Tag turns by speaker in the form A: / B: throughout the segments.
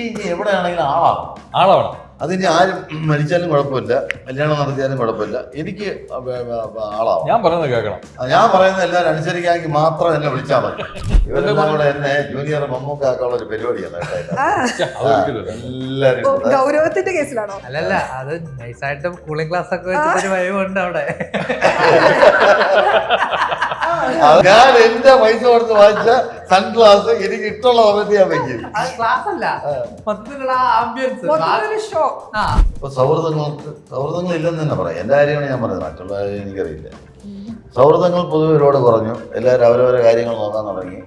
A: ഇനി എവിടെയാണെങ്കിലും ആളാവണം. അതിനി ആരും മരിച്ചാലും കുഴപ്പമില്ല, കല്യാണം നടത്തിയാലും കുഴപ്പമില്ല, എനിക്ക് ആളാവും.
B: ഞാൻ പറയുന്നത് കേൾക്കണം.
A: ഞാൻ പറയുന്നത് എല്ലാവരും അനുസരിക്കാമെങ്കിൽ മാത്രം എന്നെ വിളിച്ചാൽ മതി. ഇവരെല്ലാം കൂടെ എന്നെ ജൂനിയർ മമ്മൂക്കാക്കാനുള്ള ഒരു പരിപാടിയാണ് എല്ലാവരും.
C: ഗൗരവത്തിന്റെ കേസിലാണോ?
D: അല്ലല്ല, അത് നൈസായിട്ട് കൂളിംഗ് ക്ലാസ് ഒക്കെ വെച്ചിട്ട് വയവുണ്ട് അവിടെ.
A: ഞാൻ എന്റെ പൈസ കൊടുത്ത് വാങ്ങിച്ച സൺഗ്ലാസ് എനിക്ക് ഇഷ്ടമുള്ള സമയത്ത് ഞാൻ വെക്കും.
D: ക്ലാസ് അല്ല, മൊത്തത്തിലുള്ള ആംബിയൻസ്.
A: ഇപ്പൊ സൗഹൃദങ്ങൾ ഇല്ലെന്ന് തന്നെ പറയാം. എന്റെ കാര്യമാണ് ഞാൻ പറഞ്ഞത്, മറ്റുള്ള കാര്യം എനിക്കറിയില്ല. സൗഹൃദങ്ങൾ പൊതുവെ ഒരുപാട് കുറഞ്ഞു. എല്ലാവരും അവരവരെ കാര്യങ്ങൾ നോക്കാൻ തുടങ്ങി.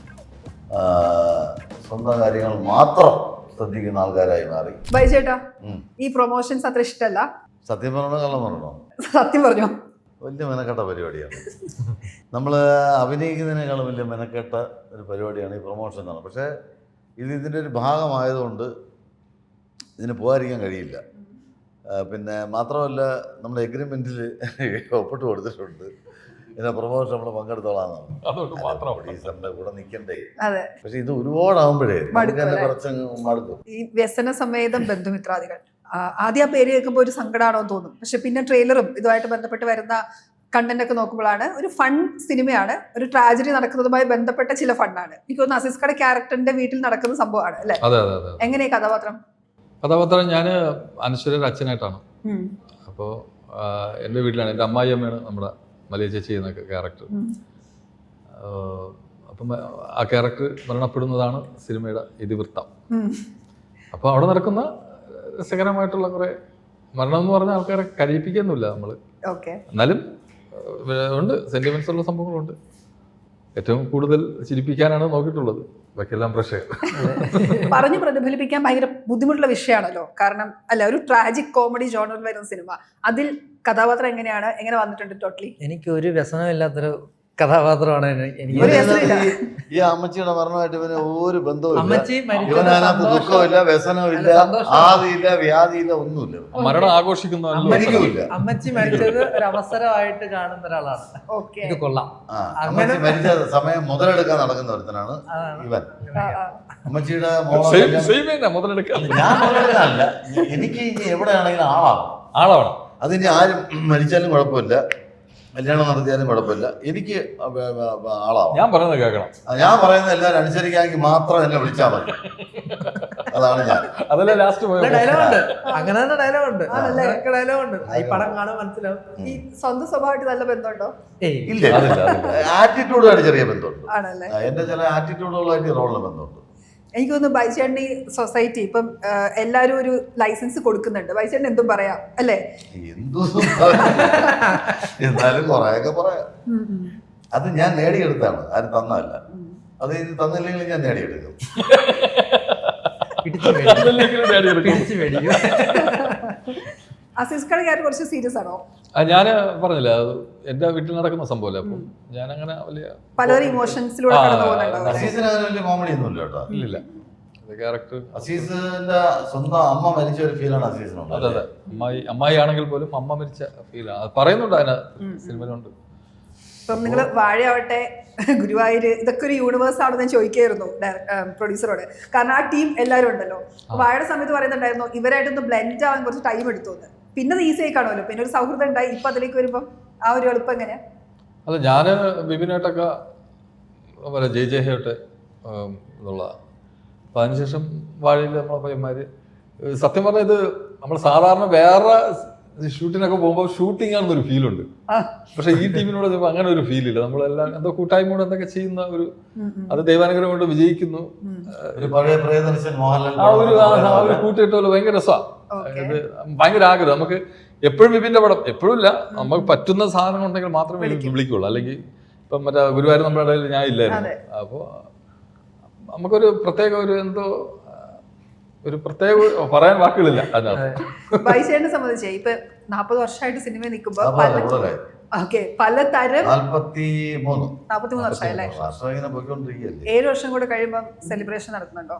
A: സ്വന്തം കാര്യങ്ങൾ മാത്രം ശ്രദ്ധിക്കുന്ന ആൾക്കാരായി മാറി.
C: ബൈചേട്ടാ, ഈ പ്രൊമോഷൻസ് അത്ര ഇഷ്ടമല്ല.
A: സത്യം പറഞ്ഞോ കള്ളം പറഞ്ഞോ?
C: സത്യം പറഞ്ഞോ?
A: വലിയ മെനക്കെട്ട പരിപാടിയാണ്. നമ്മൾ അഭിനയിക്കുന്നതിനേക്കാളും വലിയ മെനക്കെട്ട ഒരു പരിപാടിയാണ് ഈ പ്രൊമോഷൻ എന്നാണ്. പക്ഷേ ഇതിൻ്റെ ഒരു ഭാഗമായതുകൊണ്ട് ഇതിന് പോകാതിരിക്കാൻ കഴിയില്ല. പിന്നെ മാത്രമല്ല, നമ്മുടെ എഗ്രിമെൻറ്റിൽ ഒപ്പിട്ട് കൊടുത്തിട്ടുണ്ട് ഇതിനെ പ്രൊമോഷൻ നമ്മൾ പങ്കെടുത്തോളാന്നാണ്. പ്രൊഡ്യൂസറിൻ്റെ കൂടെ നിൽക്കണ്ടേ. പക്ഷെ ഇത് ഒരുപാടാകുമ്പോഴേ കുറച്ച് മടുക്കും.
C: ഈ വ്യസന സമേതം ബന്ധുമിത്രാദികൾ, ആദ്യം ആ പേര് കേൾക്കുമ്പോൾ ഒരു സങ്കടമാണോ തോന്നും. പക്ഷെ പിന്നെ ട്രെയിലറും ഇതുമായിട്ട് ബന്ധപ്പെട്ട് വരുന്ന കണ്ടന്റ് ഒക്കെ നോക്കുമ്പോഴാണ് ഒരു ഫൺ സിനിമയാണ്. ഒരു ട്രാജഡി നടക്കുന്നതുമായി ബന്ധപ്പെട്ട ചില ഫണ്ടാണ്. എനിക്ക് തോന്നുന്നു അസീസ്കയുടെ ക്യാരക്ടറിന്റെ വീട്ടിൽ നടക്കുന്ന സംഭവമാണ് അല്ലേ? എങ്ങനെയാ കഥാപാത്രം?
B: ഞാൻ അനശ്വരയുടെ അച്ഛനായിട്ടാണ്. അപ്പോൾ എൻ്റെ വീട്ടിലാണ്. എൻ്റെ അമ്മായിയമ്മയാണ് നമ്മുടെ മലയ ചേച്ചി ചെയ്യുന്ന ക്യാരക്ടർ. അപ്പം ആ ക്യാരക്ടർ മരണപ്പെടുന്നതാണ് സിനിമയുടെ ഇതിവൃത്തം. അപ്പോൾ അവിടെ നടക്കുന്ന രസകരമായിട്ടുള്ള കുറെ മരണം എന്ന് പറഞ്ഞ ആൾക്കാരെ കരയിപ്പിക്കുന്നില്ല നമ്മൾ. എന്നാലും ഉണ്ട്, സെന്റിമെന്റ്സ് ഉള്ള സംഭവങ്ങളുണ്ട്. ഏറ്റവും കൂടുതൽ ചിരിപ്പിക്കാനാണ് നോക്കിയിട്ടുള്ളത്. ബാക്കിയെല്ലാം പ്രശ്നം
C: പറഞ്ഞു പ്രതിഫലിപ്പിക്കാൻ ഭയങ്കര ബുദ്ധിമുട്ടുള്ള വിഷയമാണല്ലോ. കാരണം അല്ല, ഒരു ട്രാജിക് കോമഡി ജോണറിൽ വരുന്ന സിനിമ, അതിൽ കഥാപാത്രം എങ്ങനെ വന്നിട്ടുണ്ട്? ടോട്ടലി എനിക്ക് ഒരു വ്യസനമില്ലാത്തൊരു കഥാപാത്രമാണ്.
A: ഈ അമ്മച്ചിയുടെ മരണമായിട്ട് ഇവന് ഒരു ബന്ധവും, ഇവനകത്ത് ദുഃഖമില്ല, വ്യസനമില്ല, ആദിയില്ല, വ്യാധിയില്ല, ഒന്നുമില്ല.
B: മരണം ആഘോഷിക്കുന്ന
D: അമ്മച്ചി മരിച്ചത് ഒരു അവസരമായിട്ട് കാണുന്ന ഒരാളാണ്. ഇത് കൊള്ളാം.
A: അമ്മച്ചി മരിച്ച സമയം മുതലെടുക്കാൻ നടക്കുന്ന ഒരുത്തനാണ് ഇവൻ. അമ്മച്ചിയുടെ ഞാൻ മുതലെടുക്കാനല്ല, എനിക്ക് ഇനി എവിടെയാണെങ്കിലും ആളാവണം. അതിനി ആരും മരിച്ചാലും കുഴപ്പമില്ല, കല്യാണം നടത്തിയാലും കുഴപ്പമില്ല, എനിക്ക് ആളാവും.
B: ഞാൻ പറയുന്നത് കേൾക്കണം.
A: ഞാൻ പറയുന്നത് എല്ലാവരും അനുസരിക്കാമെങ്കിൽ മാത്രം എന്നെ വിളിച്ചാൽ മതി. അതാണ് ഞാൻ.
B: അതല്ലേ ലാസ്റ്റ്
D: ഡയലോഗുണ്ട്, അങ്ങനെ തന്നെ ഡയലോഗുണ്ട്. ഈ പടം കാണാൻ മനസ്സിലാവും.
C: ഈ സ്വന്തം സ്വഭാവമായിട്ട് നല്ല ബന്ധമുണ്ടോ?
A: ഇല്ല, ആറ്റിറ്റ്യൂഡായിട്ട് ചെറിയ ബന്ധമുണ്ട്. എന്റെ ചില ആറ്റിറ്റ്യൂഡുകളായിട്ട് റോളിന് ബന്ധമുണ്ട്.
C: എനിക്ക് തോന്നുന്നു ബൈചേട്ടൻ്റെ ഈ സൊസൈറ്റി ഇപ്പം എല്ലാവരും ഒരു ലൈസൻസ് കൊടുക്കുന്നുണ്ട്. ബൈചേട്ടൻ എന്തും പറയാം അല്ലേ?
A: എന്നാലും കുറെയൊക്കെ പറയാം. അത് ഞാൻ നേടിയെടുത്താണ്, ആരും തന്നല്ല. അത് തന്നില്ലെങ്കിൽ ഞാൻ നേടിയെടുക്കും.
C: അസീസ്കയുടെ കാര്യം കുറച്ച് സീരിയസ് ആണോ?
B: ഞാൻ പറഞ്ഞില്ല, അത് എന്റെ വീട്ടിൽ നടക്കുന്ന സംഭവമല്ലേ. അപ്പം ഞാൻ അങ്ങനെ വലിയ
C: പലരും ഇമോഷൻസിലൂടെ
A: കോമഡി ഒന്നും ഇല്ല കേട്ടോ.
B: ഇല്ല, ക്യാരക്ടർ
A: അസീസിന്റെ സ്വന്തം അമ്മ മരിച്ച ഒരു ഫീലാണ് അസീസിനുണ്ട്.
B: അതെ, അമ്മായി ആണെങ്കിൽ പോലും അമ്മ മരിച്ച ഫീലാണ് പറയുന്നുണ്ട് അതിന് സിനിമയിലുണ്ട്.
C: ഇപ്പം നിങ്ങൾ വാഴയാവട്ടെ, ഗുരുവായൂർ, ഇതൊക്കെ ഒരു യൂണിവേഴ്സ് ആണെന്ന് ഞാൻ ചോദിക്കായിരുന്നു പ്രൊഡ്യൂസറോട്. കാരണം ആ ടീം എല്ലാവരും ഉണ്ടല്ലോ. വാഴയുടെ സമയത്ത് പറയുന്നുണ്ടായിരുന്നു ഇവരായിട്ടൊന്ന് ബ്ലെൻഡ് ആവാൻ കുറച്ച് ടൈം എടുത്തു. പിന്നെ അത് ഈസി ആയി കാണുമല്ലോ, പിന്നെ ഒരു സൗഹൃദം ഉണ്ടായി. ഇപ്പൊ അതിലേക്ക് വരുമ്പം ആ ഒരു എളുപ്പം എങ്ങനെയാ?
B: അതെ, ഞാൻ ബിബിനായിട്ടൊക്കെ ജയ്ജയ്യായിട്ട് എന്നുള്ള. അപ്പം അതിനുശേഷം വാഴയിൽ നമ്മളെ പയ്യന്മാര് സത്യം പറഞ്ഞാൽ ഇത് നമ്മൾ സാധാരണ വേറെ ഷൂട്ടിനൊക്കെ പോകുമ്പോൾ ഷൂട്ടിംഗ് ആണെന്നൊരു ഫീലുണ്ട്. പക്ഷെ ഈ ടീമിനോട് അങ്ങനെ ഒരു ഫീലില്ല. നമ്മളെല്ലാം എന്തോ കൂട്ടായ്മയോട് എന്തൊക്കെ ചെയ്യുന്ന ഒരു, അത് ദൈവാനുഗ്രഹം കൊണ്ട് വിജയിക്കുന്നു. ആ ഒരു കൂട്ടിയിട്ട ഭയങ്കര രസമാണ്. ഇത് ഭയങ്കര ആഗ്രഹം. നമുക്ക് എപ്പോഴും വിപിന്റെ പടം എപ്പോഴും ഇല്ല, നമുക്ക് പറ്റുന്ന സാധനം ഉണ്ടെങ്കിൽ മാത്രമേ വിളിക്കുള്ളൂ. അല്ലെങ്കിൽ ഇപ്പം മറ്റേ ഗുരുവായൂർ നമ്മുടെ ഇടയിൽ ഞാൻ ഇല്ലായിരുന്നു. അപ്പോൾ നമുക്കൊരു പ്രത്യേക ഒരു എന്തോ ഒരു പ്രത്യേക പറയാൻ വാക്കുകളില്ല അതിനകത്ത്.
C: ബൈചേട്ടനെ സംബന്ധിച്ച് ഇപ്പൊ 40 വർഷമായിട്ട് സിനിമയിൽ നിൽക്കുമ്പോ പലതരം 43 വർഷമായല്ലേ? 7 വർഷം കൂടെ കഴിയുമ്പോ സെലിബ്രേഷൻ നടക്കുന്നുണ്ടോ?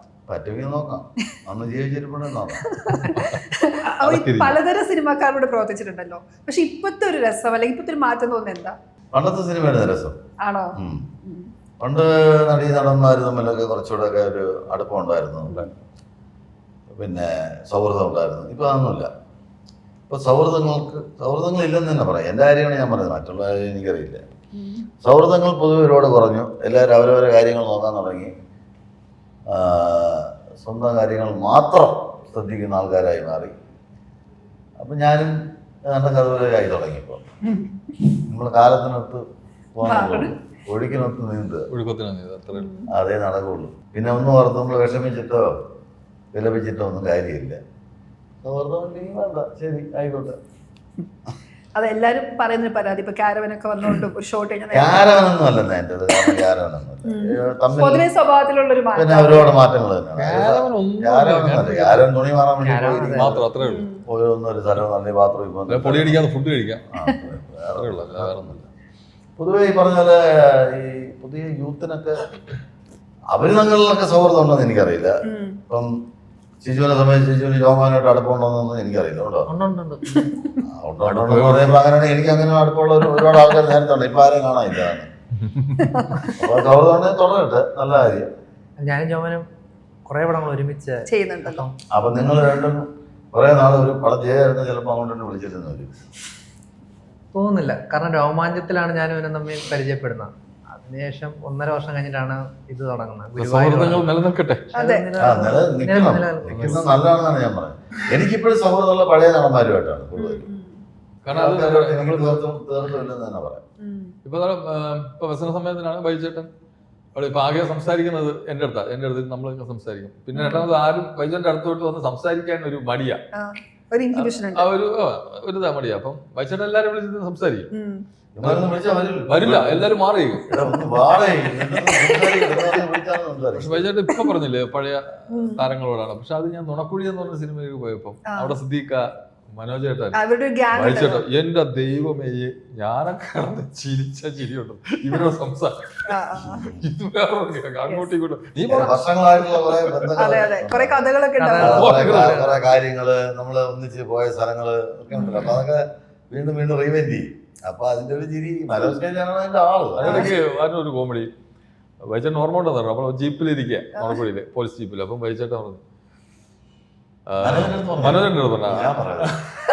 C: പലതരം സിനിമാക്കാരോട് പ്രവർത്തിച്ചിട്ടുണ്ടല്ലോ. പക്ഷെ ഇപ്പത്തെ ഒരു രസം അല്ലെങ്കിൽ ഇപ്പത്തെ ഒരു മാറ്റം തോന്നുന്നത് എന്താ?
A: പണ്ടത്തെ സിനിമയുടെ രസം
C: ആണോ?
A: പണ്ട് നടീ നടന്മാർ തമ്മിലൊക്കെ കുറച്ചുകൂടെ ഒക്കെ ഒരു അടുപ്പം ഉണ്ടായിരുന്നു. പിന്നെ സൗഹൃദം ഉണ്ടായിരുന്നു. ഇപ്പോൾ അതൊന്നുമില്ല. ഇപ്പോൾ സൗഹൃദങ്ങളില്ലെന്ന് തന്നെ പറയാം. എൻ്റെ കാര്യമാണ് ഞാൻ പറയുന്നത്, മറ്റുള്ള കാര്യം എനിക്കറിയില്ല. സൗഹൃദങ്ങൾ പൊതുവെ ഒരുപാട് കുറഞ്ഞു. എല്ലാവരും അവരവരെ കാര്യങ്ങൾ നോക്കാൻ തുടങ്ങി. സ്വന്തം കാര്യങ്ങൾ മാത്രം ശ്രദ്ധിക്കുന്ന ആൾക്കാരായി മാറി. അപ്പം ഞാനും അതുപോലെ തുടങ്ങിയപ്പോൾ നമ്മൾ കാലത്തിനൊത്ത് പോകാൻ ഒഴുക്കിനൊത്ത് നീന്തുക, അതേ നടക്കുള്ളൂ. പിന്നെ ഒന്നും ഓർത്ത് നമ്മൾ വിഷമിച്ചിട്ടോ വിലപിച്ചിട്ടോ ഒന്നും കാര്യമില്ല. സൗഹൃദം ഉണ്ടെങ്കിൽ വേണ്ട, ശരി ആയിക്കോട്ടെ.
C: അതെല്ലാരും പറയുന്നൊരു പരാതി. ഇപ്പൊ ക്യാരവനൊക്കെ വന്നോണ്ടും ഒരു ഷോട്ട്
A: ക്യാരവനൊന്നും അല്ലെന്ന് എൻ്റെ അത്. കാരണം ക്യാരവനൊന്നുമല്ല,
C: പൊതുവെ സ്വഭാവത്തിലുള്ളൊരു
A: പിന്നെ ഒരുപാട് മാറ്റങ്ങൾ തന്നെയാണ്. ക്യാരവൻ തുണി മാറാൻ വേണ്ടി പോയൊന്നും ഒരു സ്ഥലം നല്ല ബാത്റൂമിൽ
B: പൊടിയടിക്കാതെ ഫുഡ് കഴിക്കാം.
A: പൊതുവെ ഈ പറഞ്ഞ പോലെ ഈ പുതിയ യൂത്തിനൊക്കെ അവര് തങ്ങളിലൊക്കെ സൗഹൃദം ഉണ്ടോന്ന് എനിക്കറിയില്ല. ഇപ്പം ശിശുവിനെ സംബന്ധിച്ച് ശിശുവിന് ജോമാനായിട്ട് അടുപ്പമുണ്ടോന്നൊന്നും എനിക്കറിയില്ല. ഉണ്ടോ? പറയുമ്പോ അങ്ങനെയാണ്. എനിക്ക് അങ്ങനെ അടുപ്പമുള്ള ഒരുപാട് ആൾക്കാർ നേരത്തെ ഉണ്ട്. ഇപ്പൊ ആരെയും കാണാനില്ല. അപ്പൊ സൗഹൃദം ഉണ്ടെങ്കിൽ തുടരട്ടെ, നല്ല കാര്യം.
D: ഞാനും ജോമനും കുറെ പടങ്ങൾ ഒരുമിച്ച്
C: ചെയ്യുന്നുണ്ടല്ലോ.
A: അപ്പൊ നിങ്ങൾ രണ്ടും കുറെ നാൾ ഒരു പടം ചെയ്യായിരുന്നു, ചിലപ്പോൾ അങ്ങോട്ട് തന്നെ വിളിച്ചിരുന്നു
D: തോന്നുന്നില്ല. കാരണം രോമാഞ്ചത്തിലാണ് ഞാനും ഇവനും തമ്മിൽ പരിചയപ്പെടുന്നത്. അതിനുശേഷം 1.5 വർഷം കഴിഞ്ഞിട്ടാണ് ഇത് തുടങ്ങുന്നത്.
B: നിലനിൽക്കട്ടെ,
A: നിൽക്കുന്നത് നല്ലതാണെന്നാണ് ഞാൻ പറയുന്നത്. എനിക്കിപ്പോഴും സൗഹൃദമുള്ള പഴയ നടന്മാരുമായിട്ടാണ് കൂടുതലും. തീർത്തുമില്ലെന്ന് തന്നെ പറയാം.
B: ഇപ്പൊ വ്യസന സമയത്തിനാണ് ബൈജേട്ടൻ ഇപ്പൊ ആകെ സംസാരിക്കുന്നത് എൻ്റെ അടുത്ത് നമ്മളൊക്കെ സംസാരിക്കും. പിന്നെ രണ്ടാമത് ആരും ബൈജേട്ടൻ്റെ അടുത്തോട്ട് വന്ന് സംസാരിക്കാൻ ഒരു മടിയാ, ഒരു മടിയാ. അപ്പം ബൈജേട്ടൻ എല്ലാരും വിളിച്ചിട്ട് സംസാരിക്കും, വരില്ല, എല്ലാരും മാറി. പക്ഷെ ബൈജേട്ടൻ ഇപ്പൊ പറഞ്ഞില്ലേ പഴയ താരങ്ങളോടാണ്. പക്ഷെ അത് ഞാൻ നുണക്കുഴി എന്ന് പറഞ്ഞ സിനിമയിലേക്ക് പോയപ്പോ അവിടെ സിദ്ദീഖ, മനോജേട്ടൻ, ബൈജേട്ടൻ, എന്റെ ദൈവമേ ഞാനൊക്കെ ചിരിച്ച ചിരിയുണ്ട് ഇവരോട് സംസാരം. ഇത് വേറെ അങ്ങോട്ടും ഇങ്ങോട്ടും നീ
C: കുറെ
A: കുറെ കാര്യങ്ങള് നമ്മള് ഒന്നിച്ച് പോയ സ്ഥലങ്ങള് ഒക്കെ ഉണ്ടല്ലോ. അപ്പൊ അതൊക്കെ വീണ്ടും വീണ്ടും റീവെന്റ് ചെയ്യും. അപ്പൊ അതിന്റെ ഒരു ചിരി മനോജ് കെയാണ് അതിന്റെ ആള്.
B: അതിനിടയ്ക്ക് അതിനൊരു കോമഡി, ബൈജേട്ടൻ ഓർമ്മ ഉണ്ടെന്ന് പറഞ്ഞു. അപ്പോൾ ജീപ്പിലിരിക്കുക നോണക്കുഴിയില്, പോലീസ് ജീപ്പിൽ. അപ്പം ബൈജേട്ടൻ പറഞ്ഞു, മനോജന്റെ അടുത്ത് പറഞ്ഞ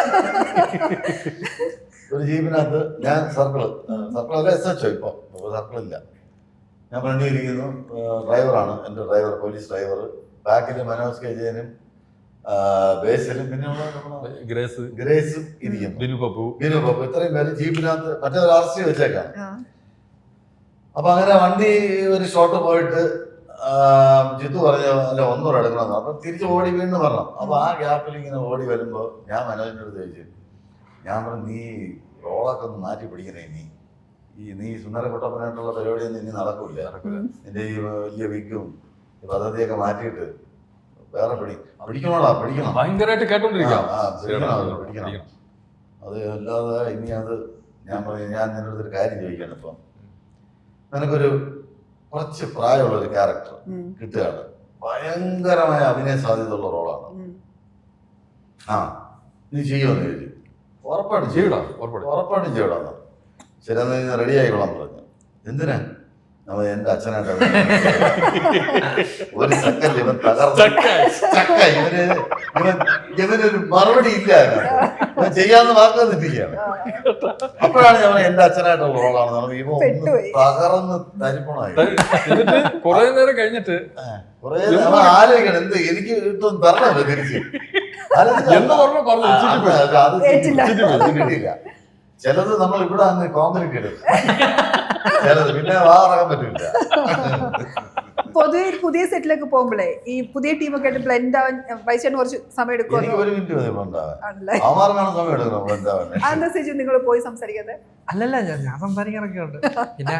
A: ഒരു ജീപ്പിനകത്ത് ഞാൻ സർക്കിളല്ല SHO ഇപ്പൊ സർക്കിളില്ല. ഞാൻ ഫ്രണ്ടിൽ ഇരിക്കുന്നു, ഡ്രൈവറാണ് എൻ്റെ ഡ്രൈവർ, പോലീസ് ഡ്രൈവർ. ബാക്കിൽ മനോജ് കെ ജയനും ബേസിലും പിന്നെ ഗ്രേസും ഇരിക്കുന്നു, ബിനു പപ്പു, ഇത്രയും പേര് ജീപ്പിനകത്ത്. മറ്റേ ഒരു RC വെച്ചേക്കാണ്. അപ്പൊ അങ്ങനെ വണ്ടി ഒരു ഷോട്ട് പോയിട്ട് ജിത്തു പറഞ്ഞു അല്ല ഒന്നൂടെ എടുക്കണമെന്ന്. അപ്പൊ തിരിച്ച് ഓടി വീണ്ടും പറഞ്ഞു. അപ്പൊ ആ ഗ്യാപ്പിൽ ഇങ്ങനെ ഓടി വരുമ്പോ ഞാൻ മനോജിന്റെ അടുത്ത് ചോദിച്ചു, ഞാൻ പറഞ്ഞു നീ റോളൊക്കെ ഒന്ന് മാറ്റി പിടിക്കണേ, നീ സുന്ദരക്കുട്ടപ്പനായിട്ടുള്ള പരിപാടിയൊന്നും ഇനി നടക്കൂല. നിന്റെ ഈ വലിയ വിഗും പദ്ധതിയൊക്കെ മാറ്റിയിട്ട് വേറെ പിടിക്കണം.
B: ഭയങ്കരമായിട്ട് കേട്ടോണ്ടിരിക്കാം.
A: പിടിക്കണം. അത് അല്ലാതെ ഇനി അത് ഞാൻ പറഞ്ഞു, ഞാൻ നിന്റെ അടുത്തൊരു കാര്യം ചോദിക്കാണ്. ഇപ്പം നിനക്കൊരു കുറച്ച് പ്രായമുള്ളൊരു ക്യാരക്ടർ കിട്ടുകയാണ്, ഭയങ്കരമായ അഭിനയ സാധ്യതയുള്ള റോളാണ്. നീ ചെയ്യുമെന്ന് ചോദിച്ചു. ഉറപ്പായിട്ടും ചെയ്യടാ. ശരി, എന്നാ റെഡി ആയിക്കോളാം പറഞ്ഞു. എന്തിനാ? എന്റെ അച്ഛനായിട്ട് ഒരു സെക്കൻഡ് ഇവൻ ഇവനൊരു മറുപടി ഇല്ല, ഇവൻ ചെയ്യാന്ന് വാക്ക് തന്നിരിക്കുകയാണ്. അപ്പോഴാണ് ഞാൻ എന്റെ അച്ഛനായിട്ടുള്ള റോളാണ്. ഇവ ഒന്ന് തകർന്ന് തരിപ്പണമായി.
B: കുറെ നേരം കഴിഞ്ഞിട്ട്
A: കുറെ ആലോചിക്കണം, എന്ത് എനിക്ക് ഇട്ടൊന്നും തരണല്ലോ തിരിച്ച്. കിട്ടിയില്ല. ചിലത് നമ്മൾ ഇവിടെ അങ്ങ് കോൺക്രീറ്റ് ഇടും, ചിലത് പിന്നെ വാറക്കാൻ പറ്റില്ല.
C: പൊതുവെ പുതിയ സെറ്റിലേക്ക് പോകുമ്പോഴേ ഈ പുതിയ ടീമൊക്കെ ആയിട്ട് ബ്ലെൻഡ് ആവാൻ വൈചേട്ടന് കുറച്ച് സമയം എടുക്കും.
A: എനിക്ക് 1 മിനിറ്റ് മതി ബ്ലെൻഡ് എടുക്കണം. ബ്ലെൻഡ് ആവാൻ
C: അതെന്താ ചേച്ചി നിങ്ങൾ പോയി സംസാരിക്കാതെ?
D: അല്ലല്ല, ഞാൻ സംസാരിക്കാറൊക്കെ ഉണ്ട്. പിന്നെ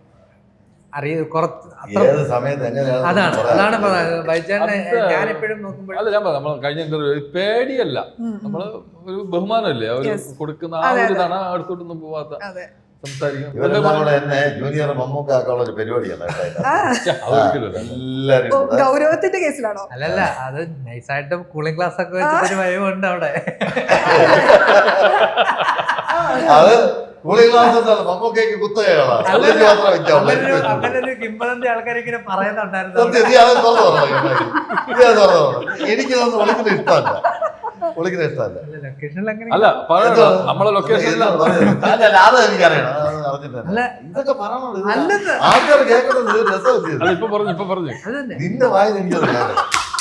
D: അതാണ് ഞാൻ എപ്പോഴും നോക്കുമ്പോൾ
B: അല്ല ഞാൻ നമ്മൾ കഴിഞ്ഞ ഇന്റർവ്യൂ പേടിയല്ല, നമ്മള് ഒരു ബഹുമാനമല്ലേ അവര് കൊടുക്കുന്ന ആ ഒരു ഇതാണ്. അടുത്തോട്ടൊന്നും പോവാത്ത
A: എന്നെ ജൂനിയർ മമ്മൂക്കാക്കുള്ള ഒരു പരിപാടിയാണ്.
C: ഗൗരവത്തിന്റെ കേസിലാണോ?
D: അല്ലല്ല, അത് നൈസായിട്ട് കൂളിംഗ് ക്ലാസ് ഒക്കെ വെച്ചിട്ടൊരു വയവുണ്ട് അവിടെ.
A: അത് കൂളിംഗ് ഗ്ലാസ് എന്താണ് മമ്മൂക്കയ്ക്ക് കുത്തകയാണ് അല്ലെങ്കിൽ മാത്രം വെച്ചാൽ
D: അങ്ങനെ ഒരു കിംബദന്തി ആൾക്കാർ ഇങ്ങനെ പറയുന്നുണ്ടായിരുന്നു.
A: സത്യം നീ അത് തുറന്നു എനിക്കതൊന്നും വിളിക്കുന്ന ഇഷ്ടമല്ല. വിളിക്കുന്ന ഇഷ്ടമല്ല.
D: ലൊക്കേഷനിൽ അങ്ങനെ
B: അല്ല പറയണ്ട, നമ്മളെ ലൊക്കേഷനിൽ
A: അത് എനിക്കറിയണം. അറിഞ്ഞിട്ടില്ല ഇതൊക്കെ പറയണത്.
D: അല്ലെന്ന്
A: ആൾക്കാർ കേൾക്കുന്നത് രസമല്ലേ?
B: അല്ല ഇപ്പൊ പറഞ്ഞു
D: അതന്നെ.
A: നിന്റെ വായന എനിക്കറിയാം.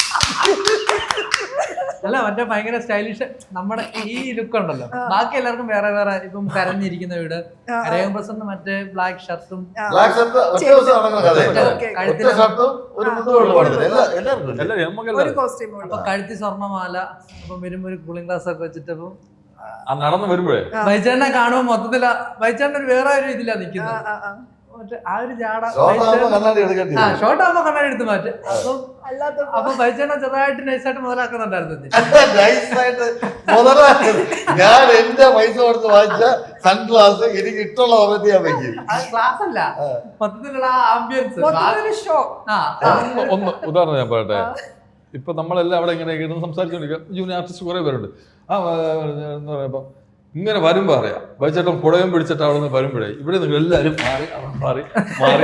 D: അല്ല മറ്റേ ഭയങ്കര സ്റ്റൈലിഷ് നമ്മുടെ ഈ ലുക്ക് ഉണ്ടല്ലോ. ബാക്കി എല്ലാവർക്കും വേറെ വേറെ. ഇപ്പം കരഞ്ഞിരിക്കുന്ന വീട്, കരയം പ്രസന്റ് മറ്റേ ബ്ലാക്ക് ഷർട്ടും
A: ബ്ലാക്ക് ഷർട്ട് ഒറ്റ ദിവസം നടക്കുന്ന കഥയല്ല. ഒറ്റ ഷർട്ടും ഒരു മുണ്ടുകൊള്ളു പാടുന്നില്ല. എല്ലാവർക്കും ഇല്ല.
C: ഒരു കോസ്റ്റ്യൂം
D: അപ്പൊ കഴുത്തി സ്വർണ്ണമാല, അപ്പം വരുമ്പോ ഒരു കൂളിംഗ് ഗ്ലാസ് ഒക്കെ വെച്ചിട്ട് അപ്പം
B: നടന്നു വരുമ്പോഴേ
D: ബൈച്ചേട്ടനെ കാണുമ്പോ മൊത്തത്തില ബൈച്ചേട്ടൻ ഒരു വേറെ ഒരു ഇതിലാ നിക്കുന്നത്. മറ്റേ ആ ഒരു ജാട
A: ഷോർട്ടാകുമ്പോ കണ്ണാടി എടുക്കേണ്ടി വരും.
D: ഷോർട്ട് ആകുമ്പോ കണ്ണാടി എടുത്ത് മാറ്റും.
C: അല്ലാത്ത
D: അപ്പൊ ബൈച്ചേട്ടൻ ചെറുതായിട്ട് നൈസായിട്ട് മുതലാക്കുന്നുണ്ടായിരുന്നു.
A: നൈസായിട്ട് മുതലാക്കരുത്. ഞാൻ എന്റെ പൈസ കൊടുത്ത് വാങ്ങിച്ച സൺഗ്ലാസ് എനിക്ക് ഇഷ്ടമുള്ള സമയത്ത് ഞാൻ വെക്കും.
D: ക്ലാസ് അല്ല മൊത്തത്തിലുള്ള ആ ആംബിയൻസ്.
C: ഷോ
B: ഒന്ന് ഉദാഹരണം ഞാൻ പറയട്ടെ. ഇപ്പൊ നമ്മളെല്ലാം അവിടെ ഇങ്ങനെ ഇരുന്ന് സംസാരിച്ചോണ്ടിരിക്കുക. ജൂനിയർ ആർട്ടിസ്റ്റ് കുറെ പേരുണ്ട്. എന്ന് പറയുമ്പോ ഇങ്ങനെ വരുമ്പോ അറിയാം ബൈച്ചേട്ടൻ പുടയം പിടിച്ചിട്ട് അവിടെ നിന്ന് വരുമ്പോഴേ ഇവിടെ നിങ്ങൾ എല്ലാരും മാറി മാറി മാറി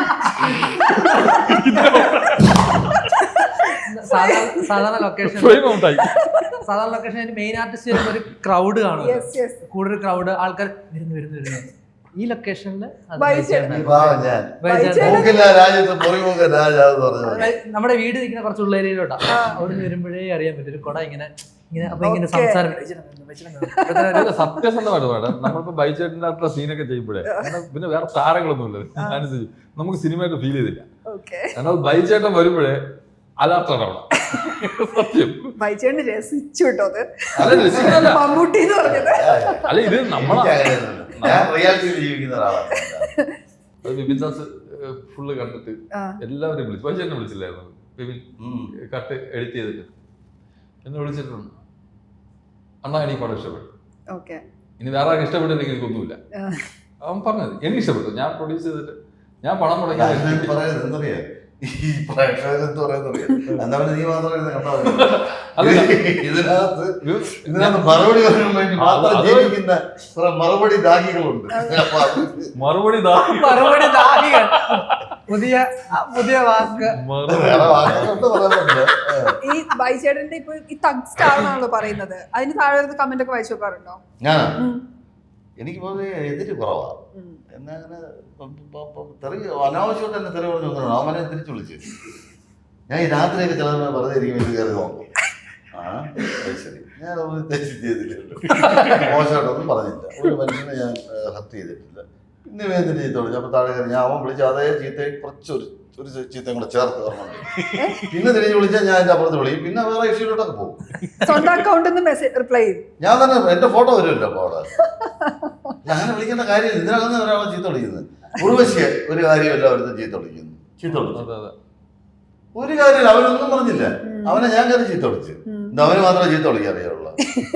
D: സാധാരണ ലൊക്കേഷൻ
B: ഫ്രെയിം ഔട്ടായി.
D: സാധാരണ ലൊക്കേഷൻ മെയിൻ ആർട്ടിസ്റ്റ് വരുമ്പോ ഒരു ക്രൗഡ് കാണും. കൂടുതൽ ക്രൗഡ് ആൾക്കാർ വരുന്നു. ഈ ലൊക്കേഷനിൽ നമ്മുടെ വീട് നിൽക്കുന്ന കുറച്ച് ഉള്ളേരിയിലോട്ടാ. അവിടെ നിന്ന് വരുമ്പോഴേ അറിയാൻ പറ്റും ഒരു കുട ഇങ്ങനെ അപ്പൊ ഇങ്ങനെ സംസാരം.
B: സത്യസന്ധമായിട്ട് വേണം. നമ്മളിപ്പോ ബൈച്ചേട്ടൻ്റെ അത്ര സീനൊക്കെ ചെയ്യുമ്പോഴേ പിന്നെ വേറെ താരങ്ങളൊന്നും ഇല്ല. അനുസരിച്ച് നമുക്ക് സിനിമയായിട്ട് ഫീൽ ചെയ്തില്ല. എന്നാൽ ബൈച്ചേട്ടൻ വരുമ്പോഴേ അലാർട്ടാണ് അവിടെ. സത്യം
C: ബൈച്ചേട്ടൻ രസിച്ചു കേട്ടോ അത്.
B: അല്ല
C: മമ്മൂട്ടി എന്ന് പറഞ്ഞത്.
B: അല്ല ഇത് നമ്മളെ
A: ജീവിക്കുന്ന ഒരാളാണ്.
B: വിപിൻ ദാസ് ഫുള്ള് കണ്ടിട്ട് എല്ലാവരെയും വിളിച്ചു. ബൈച്ചേട്ടനെ വിളിച്ചില്ലായിരുന്നു വിപിൻ കട്ട് എഡിറ്റ് ചെയ്തിട്ട് എന്നെ വിളിച്ചിട്ടുണ്ട്. അണ്ണാ എനിക്ക് പടം ഇഷ്ടപ്പെട്ടു. ഇനി വേറെ ആർക്കും ഇഷ്ടപ്പെട്ടില്ലെങ്കിൽ എനിക്കൊന്നുമില്ല. അവൻ പറഞ്ഞത് എനിക്ക് ഇഷ്ടപ്പെട്ടു. ഞാൻ പ്രൊഡ്യൂസ് ചെയ്തിട്ട് ഞാൻ പണം മുടങ്ങി
A: ഈ പ്രേക്ഷകരെന്ത് പറയുന്നറിയാം. എന്താ നീ മാത്രം ഇതിനകത്ത് മറുപടി പറയാൻ വേണ്ടി മാത്രം ജീവിക്കുന്ന കുറെ മറുപടി ദാഹികളുണ്ട്.
B: മറുപടി
D: ദാഹികൾ പുതിയ വാക്ക്.
C: ഈ ബൈച്ചേട്ടന്റെ ഇപ്പൊ ഈ തഗ് സ്റ്റാർ എന്നാണല്ലോ പറയുന്നത്. അതിന് താഴെ കമന്റ് ഒക്കെ വായിച്ചു നോക്കാറുണ്ടോ?
A: ഞാനാ എനിക്ക് പൊതുവെ എതിര് കുറവാ. എന്നാ അങ്ങനെ തെറി അനാവശ്യമായിട്ട് തന്നെ തെറി പറഞ്ഞു വന്നു. അവനെ തിരിച്ചു വിളിച്ചു. ഞാൻ ഈ രാത്രിയൊക്കെ ചില വെറുതെ ഇരിക്കും ഇത് കയറി നോക്കും. ശരി ഞാൻ തെറ്റ് ചെയ്തില്ലല്ലോ. മോശമായിട്ടൊന്നും പറഞ്ഞില്ല. ഒരു മനുഷ്യനെ ഞാൻ ഹർട്ട് ചെയ്തിട്ടില്ല. പിന്നെ വേദന ചീത്ത വിളിച്ചു. അപ്പൊ താഴെ കയറി ഞാൻ അവൻ വിളിച്ച അതേ ചീത്തയെ കുറച്ചൊരു ചീത്തയും കൂടെ ചേർത്ത് പറഞ്ഞിട്ടുണ്ട്. പിന്നെ തിരിഞ്ഞ് വിളിച്ചാൽ ഞാൻ എൻ്റെ അപ്പുറത്ത് വിളിക്കും. പിന്നെ വേറെ ഇഷ്യൂലോട്ടൊക്കെ പോകും.
C: സ്വന്തം അക്കൗണ്ടിൽ മെസ്സേജ് റിപ്ലൈ ചെയ്യും. ഞാൻ
A: തന്നെ എന്റെ ഫോട്ടോ വരുമല്ലോ അപ്പൊ അവിടെ. അങ്ങനെ വിളിക്കേണ്ട കാര്യമില്ല. ഇതിനകത്ത് ഒരാളെ ചീത്ത വിളിക്കുന്നത് ഉർവശിയെ ഒരു കാര്യമല്ല. അവരുടെ ചീത്ത വിളിക്കുന്നു. ചീത്ത വിളിച്ചു ഒരു കാര്യമില്ല. അവനൊന്നും പറഞ്ഞില്ല. അവനെ ഞാൻ കയറി ചീത്ത വിളിച്ചു. അവന് മാത്രമേ ചീത്ത വിളിക്കാൻ അറിയാവുള്ളൂ.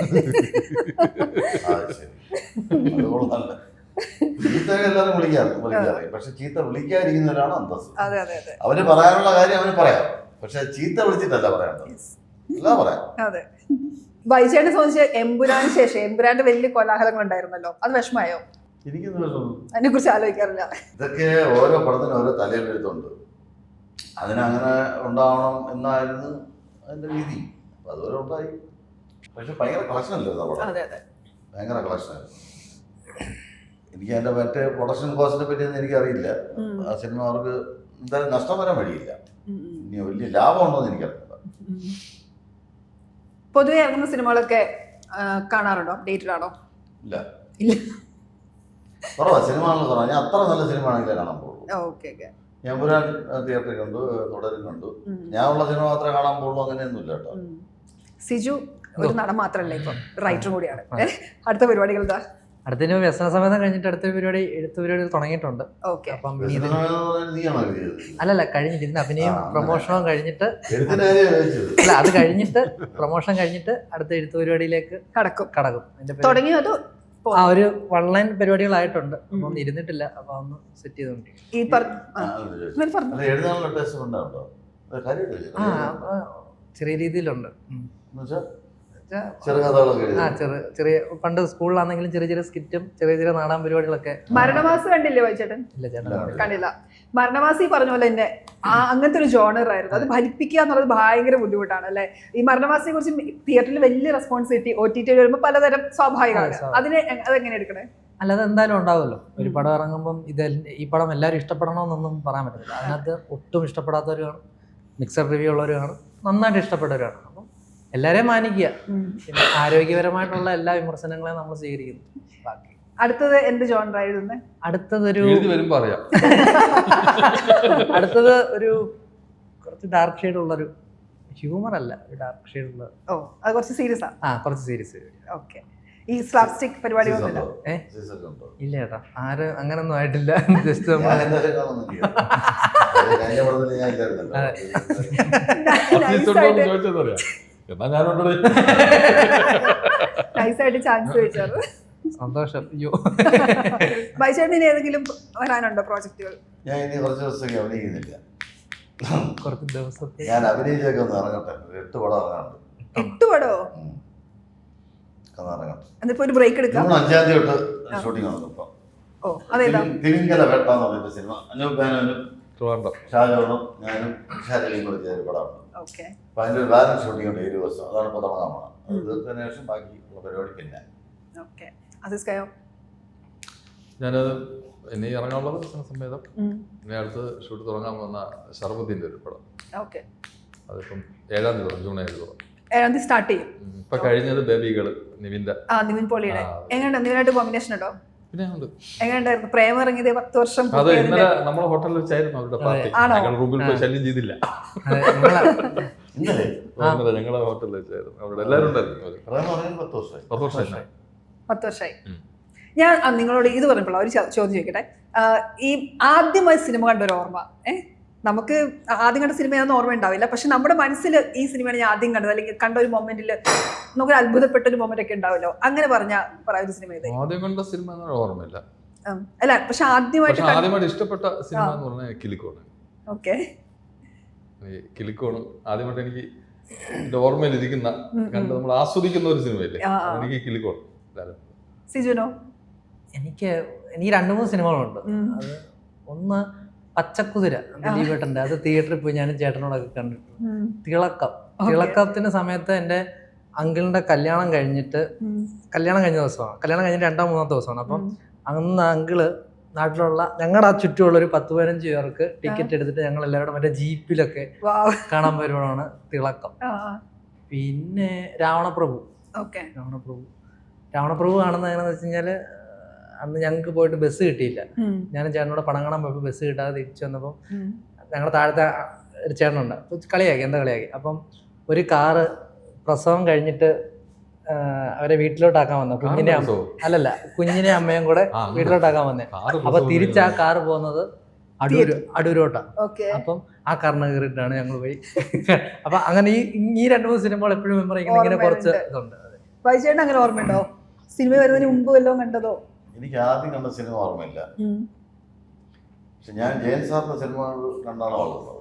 A: ചീത്ത എല്ലാവരും വിളിക്കാറിയും. പക്ഷെ ചീത്ത വിളിക്കാതിരിക്കുന്നവരാണ് അന്തസ്സ്. അവന് പറയാനുള്ള കാര്യം അവന് പറയാം. പക്ഷെ ചീത്ത വിളിച്ചിട്ടല്ല പറയാനുള്ളത്. എല്ലാം പറയാം.
C: ബൈച്ചേട്ടനെ സംബന്ധിച്ച് എമ്പുരാന് ശേഷം എമ്പുരാന്റെ വലിയ കോലാഹലങ്ങൾ ഉണ്ടായിരുന്നല്ലോ. അത് വിഷമായോ? അതിനെ കുറിച്ച് ആലോചിക്കാറില്ല.
A: ഇതൊക്കെ ഓരോ പടത്തിനും ഓരോ തലയിലെഴുത്തുണ്ട്. അതിനങ്ങനെ ഉണ്ടാവണം എന്നായിരുന്നു അതിന്റെ രീതി. അപ്പൊ അതുപോലെ ഉണ്ടായി. പക്ഷെ ഭയങ്കര കളക്ഷൻ അല്ലായിരുന്നു പടം. ഭയങ്കര കളക്ഷനായിരുന്നു. എനിക്ക് അതിന്റെ മറ്റേ പ്രൊഡക്ഷൻ കോസ്റ്റിനെ പറ്റിയൊന്നും എനിക്കറിയില്ല. ആ സിനിമ അവർക്ക് എന്തായാലും നഷ്ടം വരാൻ വഴിയില്ല. ഇനി വലിയ ലാഭം ഉണ്ടോ എന്ന് എനിക്കറിയില്ല.
C: പൊതുവെ ഇറങ്ങുന്ന സിനിമകളൊക്കെ കാണാറുണ്ടോ? ഡേറ്റിലാണോ?
A: ഇല്ല കുറവാ. സിനിമകളിൽ കുറവാ. ഞാൻ അത്ര നല്ല സിനിമ ആണെങ്കിലേ കാണാൻ പോകുള്ളൂ. ഞാൻ പുരാൻ തിയേറ്ററിൽ കണ്ടു, തുടരും കണ്ടു. ഞാൻ ഉള്ള സിനിമ മാത്രമേ കാണാൻ പോകുള്ളൂ. അങ്ങനെയൊന്നുമില്ല കേട്ടോ.
C: സിജു ഒരു നടൻ മാത്രമല്ല, ഇപ്പം റൈറ്ററും കൂടിയാണ്. അടുത്ത പരിപാടികൾ എന്താ?
D: അടുത്ത വ്യസന സമയത്ത് കഴിഞ്ഞിട്ട് അടുത്ത എഴുത്ത് പരിപാടി തുടങ്ങിയിട്ടുണ്ട്. അപ്പം അല്ലല്ല കഴിഞ്ഞിട്ട് ഇതിന് അഭിനയം പ്രൊമോഷനും കഴിഞ്ഞിട്ട് അല്ല അത് കഴിഞ്ഞിട്ട് പ്രൊമോഷൻ കഴിഞ്ഞിട്ട് അടുത്ത എഴുത്ത് പരിപാടിയിലേക്ക് കടക്കും.
C: തുടങ്ങിയത്
D: ഒരു ഓൺലൈൻ പരിപാടികളായിട്ടുണ്ട്. അപ്പൊ ഒന്നും ഇരുന്നിട്ടില്ല. അപ്പൊ ഒന്ന് സെറ്റ് ചെയ്തോണ്ടിരിക്കും.
C: ഈ
D: ചെറിയ രീതിയിലുണ്ട്.
A: ചെറുകഥകളൊക്കെ
D: ആ
A: എഴുതി.
D: ചെറിയ പണ്ട് സ്കൂളിലാണെങ്കിലും ചെറിയ ചെറിയ സ്കിറ്റും ചെറിയ നാടൻ പരിപാടികളൊക്കെ.
C: മരണമാസം കണ്ടില്ലേ വൈചേട്ടൻ?
D: ഇല്ല ചേട്ടാ.
C: കണ്ടില്ല. മരണമാസി പറഞ്ഞ പോലെ തന്നെ അങ്ങനത്തെ ഒരു ജോണർ ആയിരുന്നു. അത് ഫലിപ്പിക്കുക എന്നുള്ളത് ഭയങ്കര ബുദ്ധിമുട്ടാണ് അല്ലെ? ഈ മരണമാസിനെ കുറിച്ച് തിയേറ്ററിൽ വലിയ റെസ്പോൺസിബിലിറ്റി OTT വരുമ്പോൾ പലതരം സ്വാഭാവികമാണ്. അതെങ്ങനെ എടുക്കണേ?
D: അല്ലാതെ എന്തായാലും ഉണ്ടാവുമല്ലോ. ഒരു പടം ഇറങ്ങുമ്പം ഈ പടം എല്ലാവരും ഇഷ്ടപ്പെടണമെന്നൊന്നും പറയാൻ പറ്റില്ല. അതിനകത്ത് ഒട്ടും ഇഷ്ടപ്പെടാത്തവരാണ്, മിക്സഡ് റിവ്യൂ ഉള്ളവരാണ്, നന്നായിട്ട് ഇഷ്ടപ്പെട്ടവരാണ്. അപ്പം എല്ലാവരെയും മാനിക്കുക. പിന്നെ ആരോഗ്യപരമായിട്ടുള്ള എല്ലാ വിമർശനങ്ങളെയും നമ്മൾ സ്വീകരിക്കുന്നു. ബാക്കി
C: അടുത്തത് എന്ത് ജോണർ ആയിരുന്നു?
D: അടുത്തതൊരു
B: വരുമ്പോ അറിയാം.
D: അടുത്തത് ഒരു കുറച്ച് ഡാർക്ക് ഷെയ്ഡ് ഉള്ളൊരു ഹ്യൂമർ അല്ല, ഒരു ഡാർക്ക് ഷെയ്ഡ് ഉള്ള.
C: ഓ, അത് കുറച്ച് സീരിയസ് ആണ്.
D: കുറച്ച് സീരിയസ്.
C: ഓക്കെ. ഈ സ്ലാപ്സ്റ്റിക് പരിപാടികളൊന്നുമില്ല?
D: ഇല്ല ചേട്ടാ, ആരും അങ്ങനൊന്നും ആയിട്ടില്ല. ജസ്റ്റ്
C: നൈസായിട്ട് ചാൻസ് ചോദിച്ചത്.
D: സന്തോഷം. അയ്യോ,
C: ബൈചേട്ടൻ ഇനി ഏതെങ്കിലും വരാനുണ്ടോ പ്രോജക്റ്റുകൾ?
A: ഞാൻ ഇനി കുറച്ച് ദിവസത്തേക്ക് അഭിനയിക്കുന്നില്ല.
D: കുറച്ച് ദിവസത്തെ
A: ഞാൻ അഭിനയിച്ചൊക്കെ ഒന്ന് ഇറങ്ങട്ടെ. 8 പടം ഇറങ്ങാനുണ്ട്.
C: 8 പടോ? എന്നിപ്പോ ഒരു ബ്രേക്ക് എടുക്കാം.
A: 5-ാം തീയതി തൊട്ട് ഷൂട്ടിംഗ് ആണ് ഇപ്പം.
C: ഓ, അതേതാ?
A: തിമിംഗല വേട്ട എന്ന് പറയുന്ന സിനിമ. അനൂപ് മേനോനും
B: ട്രിവാൻഡ്രം
A: ഷാജോണും ഞാനും ഷാജലിയും കൂടി ചെയ്തൊരു പടമാണ്.
C: ഓക്കെ.
A: അപ്പം അതിൻ്റെ ഒരു ബാലൻസ് ഷൂട്ടിംഗ് ഉണ്ട് 7 ദിവസം. അതാണ് ഇപ്പോൾ തുടങ്ങാൻ പോകണം. അത് തീർത്തതിന് ശേഷം ബാക്കിയുള്ള പരിപാടി പിന്നെ.
C: ഓക്കെ. അസിസ്കയോ?
B: ഞാനത് ഇനി ഇറങ്ങാനുള്ളത് സമേതം. ഇനി അടുത്ത് ഷൂട്ട് തുടങ്ങാൻ പോകുന്ന ഷർബത്തിൻ്റെ ഒരു പടം.
C: ഓക്കെ.
B: അതിപ്പം 7-ാം തീയതി ജൂൺ 7 തുടങ്ങും.
C: 7-ാം തീയതി സ്റ്റാർട്ട് ചെയ്യും.
B: ഇപ്പൊ കഴിഞ്ഞത് ബേബികള് നിവിന്റെ.
C: നിവിൻ പോളിയുടെ. എങ്ങനെയുണ്ട്? നിവിനായിട്ട് കോമ്പിനേഷൻ ഉണ്ടോ?
B: പിന്നെ ഉണ്ട്.
C: എങ്ങനെയുണ്ടായിരുന്നു? പ്രേമം ഇറങ്ങിയത് 10 വർഷം.
B: അത് ഇന്നലെ നമ്മുടെ ഹോട്ടലിൽ വെച്ചായിരുന്നു അവരുടെ പാർട്ടി. ഞങ്ങൾ റൂമിൽ പോയി ശല്യം ചെയ്തില്ല.
A: ഇന്നലെ
B: ഞങ്ങളെ ഹോട്ടലിൽ വെച്ചായിരുന്നു. അവിടെ എല്ലാവരും ഉണ്ടായിരുന്നു.
A: 10 വർഷമായി.
C: 10 വർഷമായി. ഞാൻ നിങ്ങളോട് ഇത് പറഞ്ഞപ്പോൾ ഒരു ചോദ്യം ചോദിക്കട്ടെ. ഈ ആദ്യമായി സിനിമ കണ്ട ഒരു ഓർമ്മ, നമുക്ക് ആദ്യം കണ്ട സിനിമയാണെന്ന് ഓർമ്മ ഉണ്ടാവില്ല, പക്ഷെ നമ്മുടെ മനസ്സിൽ ഈ സിനിമയാണ് ഞാൻ ആദ്യം കണ്ടത്, അല്ലെങ്കിൽ കണ്ട ഒരു മൊമെന്റിൽ നമുക്ക് അത്ഭുതപ്പെട്ട ഒരു മൊമെന്റ് ഒക്കെ ഉണ്ടാവല്ലോ, അങ്ങനെ പറയുന്ന സിനിമ ഇത്?
B: ആദ്യം കണ്ട സിനിമ ഓർമ്മയില്ല.
C: അല്ല, പക്ഷെ ആദ്യമായിട്ട്
B: ഇഷ്ടപ്പെട്ട സിനിമ എന്ന് പറഞ്ഞാൽ കിലിക്കോണ്.
C: ഓക്കെ.
B: കിലിക്കോണ് ആദ്യമായിട്ട് എനിക്ക് എന്റെ ഓർമ്മയിൽ ഇരിക്കുന്ന, കണ്ട് നമ്മൾ ആസ്വദിക്കുന്ന ഒരു സിനിമയില്ലേ, എനിക്ക് കിലിക്കോണ്.
C: സിജുനോ?
D: എനിക്ക് 2-3 സിനിമകളുണ്ട്. അത് ഒന്ന് പച്ചക്കുതിര, ദിലീപേട്ടൻ്റെ. അത് തിയേറ്ററിൽ പോയി ഞാനും ചേട്ടനോടൊക്കെ കണ്ടിട്ടുണ്ട്. തിളക്കത്തിന്റെ സമയത്ത് എൻ്റെ അങ്കിളിന്റെ കല്യാണം കഴിഞ്ഞ ദിവസമാണ്. കല്യാണം കഴിഞ്ഞിട്ട് 2-3 ദിവസമാണ്. അപ്പം അന്ന് അങ്കിള് നാട്ടിലുള്ള ഞങ്ങളുടെ ആ ചുറ്റുമുള്ള ഒരു 10-15 പേർക്ക് ടിക്കറ്റ് എടുത്തിട്ട് ഞങ്ങൾ എല്ലാവരും മറ്റേ ജീപ്പിലൊക്കെ കാണാൻ വരുമ്പോഴാണ് തിളക്കം. പിന്നെ രാവണപ്രഭു കാണുന്നത് എങ്ങനെയാണെന്ന് വെച്ച് കഴിഞ്ഞാൽ, അന്ന് ഞങ്ങൾക്ക് പോയിട്ട് ബസ് കിട്ടിയില്ല. ഞാനും ചേട്ടനോട് പടം കാണാൻ പോയപ്പോൾ ബസ് കിട്ടാതെ തിരിച്ചു വന്നപ്പോൾ ഞങ്ങളുടെ താഴത്തെ ഒരു ചേട്ടനുണ്ട്. അപ്പോൾ കളിയാക്കി. അപ്പം ഒരു കാറ് പ്രസവം കഴിഞ്ഞിട്ട് അവരെ വീട്ടിലോട്ടാക്കാൻ വന്നു. കുഞ്ഞിനെ അമ്മയും കൂടെ വീട്ടിലോട്ടാക്കാൻ വന്നേ. അപ്പൊ തിരിച്ച് ആ കാറ് പോകുന്നത് അടൂരോട്ടാ. അപ്പം ആ കാറിന് കയറിയിട്ടാണ് ഞങ്ങൾ പോയി. അപ്പൊ അങ്ങനെ ഈ 2-3 സിനിമകൾ എപ്പോഴും മെമ്മറി ചെയ്യുന്ന ഇങ്ങനെ കുറച്ച് ഇതുണ്ട്.
C: വൈചേട്ടൻ അങ്ങനെ ഓർമ്മയുണ്ടോ? സിനിമ വരുന്നതിന് മുമ്പ് വല്ലതും കണ്ടതോ?
A: എനിക്ക് ആദ്യം കണ്ട സിനിമ ഓർമ്മയില്ല. പക്ഷെ ഞാൻ ജയൻ സാറിന്റെ സിനിമകൾ കണ്ടാണ് വളർന്നത്.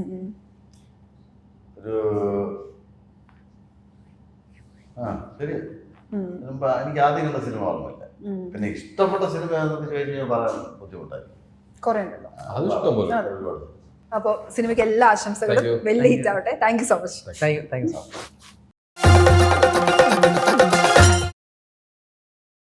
A: ശരി. എനിക്ക് ആദ്യം കണ്ട സിനിമ ഓർമ്മയില്ല. പിന്നെ ഇഷ്ടപ്പെട്ട സിനിമ എന്നൊക്കെ ചോദിച്ചു പറയാൻ ബുദ്ധിമുട്ടായി.
C: കുറെ ഉണ്ടല്ലോ.
B: ഒരുപാട്.
C: അപ്പോൾ സിനിമയ്ക്ക് എല്ലാ ആശംസകളും. വലിയ ഹിറ്റ് ആവട്ടെ. Thank you so much.
D: Thank you so much.